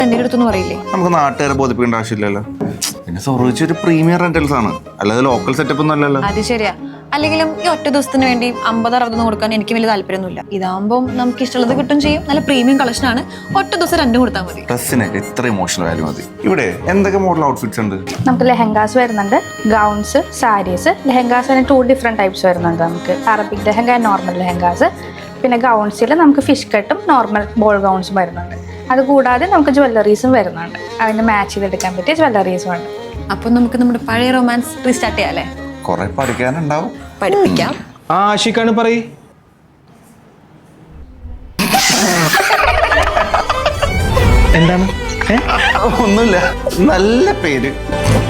എന്റെ അടുത്തൊന്നും പറയില്ലേ? നമുക്ക് നാട്ടുകാരെ ബോധിപ്പിക്കേണ്ട ആവശ്യമില്ലല്ലോ. പിന്നെ സൊറോച്ച് ഒരു പ്രീമിയം റെന്റൽസ് ആണ്, അല്ലാതെ ലോക്കൽ സെറ്റപ്പ് ഒന്നും അല്ലല്ലോ. അത് ശരിയാ. അല്ലെങ്കിലും ഈ ഒറ്റ ദിവസത്തിന് വേണ്ടി 50-60 കൊടുക്കാൻ എനിക്ക് വലിയ താല്പര്യമൊന്നുമില്ല. ഇതാകുമ്പോൾ നമുക്ക് ഇഷ്ടമുള്ളത് കിട്ടും ചെയ്യും. നല്ല പ്രീമിയം കളക്ഷൻ ആണ്. ഒറ്റ ദിവസം 2 കൊടുത്താൽ മതി. ഡ്രസ്സിനൊക്കെ ഇത്ര ഇമോഷണൽ വാല്യൂ മതി. ഇവിടെ എന്തൊക്കെ മോഡൽ ഔട്ട്ഫിറ്റ്സ് ഉണ്ട്? നമുക്ക് ലെഹങ്കാസ് വരുന്നുണ്ട്, gowns, saris. Lehengas 2 different types വരുന്നുണ്ട്. നമുക്ക് അറബിക് ലെഹങ്ക, നോർമൽ ലെഹങ്കാസ്. പിന്നെ ഗൗൺസിൽ നമുക്ക് ഫിഷ് കട്ടും നോർമൽ ബോൾ ഗൗൺസും വരുന്നുണ്ട്. അതുകൂടാതെ നമുക്ക് ജ്വല്ലറീസും വരുന്നുണ്ട്. അതിന് മാച്ച് ചെയ്തെടുക്കാൻ പറ്റിയ ജ്വല്ലറീസും ഉണ്ട്. അപ്പൊ നമുക്ക് നമ്മുടെ പഴയ റൊമാൻസ് റീസ്റ്റാർട്ട് ചെയ്യാം അല്ലേ? കുറെ പഠിക്കാനുണ്ടാവും. പഠിപ്പിക്കാം. ആഷിക്കാണ് പറയ്. എന്താണ്? ഒന്നുമില്ല, നല്ല പേര്.